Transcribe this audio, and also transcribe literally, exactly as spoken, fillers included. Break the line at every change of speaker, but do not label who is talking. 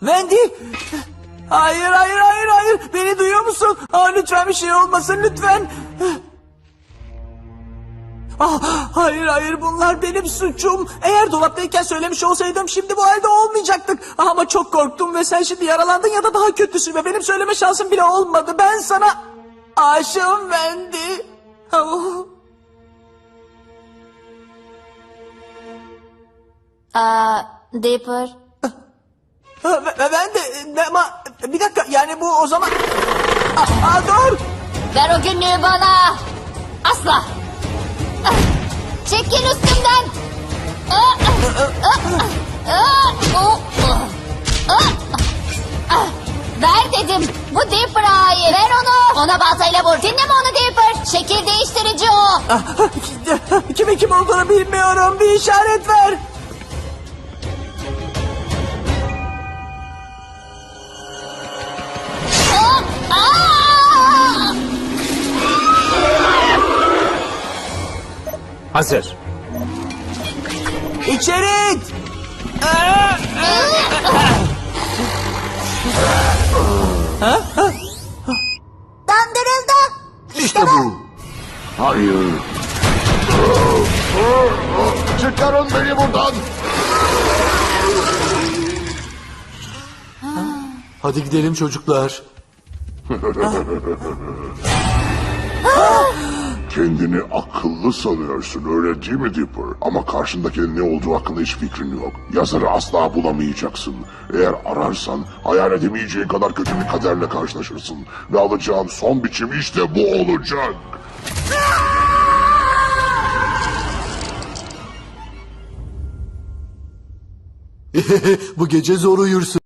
Wendy! Hayır, hayır, hayır, hayır. Beni duyuyor musun? Aa, lütfen bir şey olmasın, lütfen. Ah, hayır, hayır, bunlar benim suçum. Eğer dolaptayken söylemiş olsaydım şimdi bu halde olmayacaktık. Ama çok korktum ve sen şimdi yaralandın ya da daha kötüsü ve benim söyleme şansım bile olmadı. Ben sana aşığım Wendy. Oh.
Aa, Dipper.
Ha, ve- ve Ben de ne- ama bir dakika yani bu o zaman... Aa, aa, dur.
Ver o günlüğü bana. Asla. Ah, çekil üstümden. Ah, ah, ah, ah, oh, oh, ah, ah. Ver dedim. Bu Dipper'a ait. Ver onu. Ona baltayla vur. Dinleme onu Dipper. Şekil değiştirici o.
Ah, Kimin kim olduğunu bilmiyorum. Bir işaret ver.
Ah, ah.
Hazır.
İçeri it. Aa,
Dandırıldı.
İşte bu. Hayır. Çıkarın beni buradan.
Hadi gidelim çocuklar.
Kendini akıllı sanıyorsun öyle değil mi Dipper? Ama karşındakinin ne olduğu hakkında hiç fikrin yok. Yazarı asla bulamayacaksın. Eğer ararsan hayal edemeyeceğin kadar kötü bir kaderle karşılaşırsın. Ve alacağın son biçim işte bu olacak.
Bu gece zor uyursun.